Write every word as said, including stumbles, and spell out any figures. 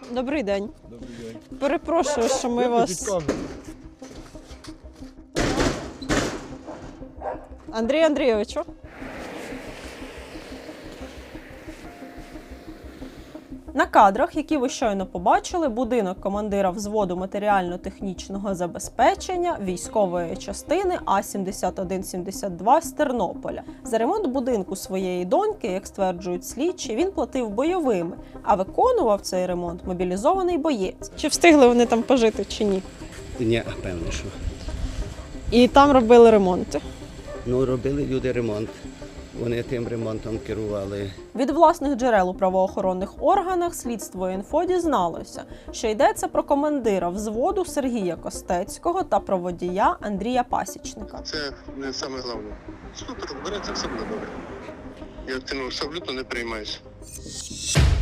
Добрий день. Добрий день. Перепрошую, що ми вас... Андрій Андрійовичу. На кадрах, які ви щойно побачили, будинок командира взводу матеріально-технічного забезпечення військової частини А сімдесят один сімдесят два з Тернополя. За ремонт будинку своєї доньки, як стверджують слідчі, він платив бойовими, а виконував цей ремонт мобілізований боєць. Чи встигли вони там пожити, чи ні? Ні, певно, що. І там робили ремонти. Ну, робили люди ремонт. Вони тим ремонтом керували. Від власних джерел у правоохоронних органах слідство інфо дізналося, що йдеться про командира взводу Сергія Костецького та про водія Андрія Пасічника. Це не саме головне. Супер, береться, все буде добре. Я цим абсолютно не переймаюся.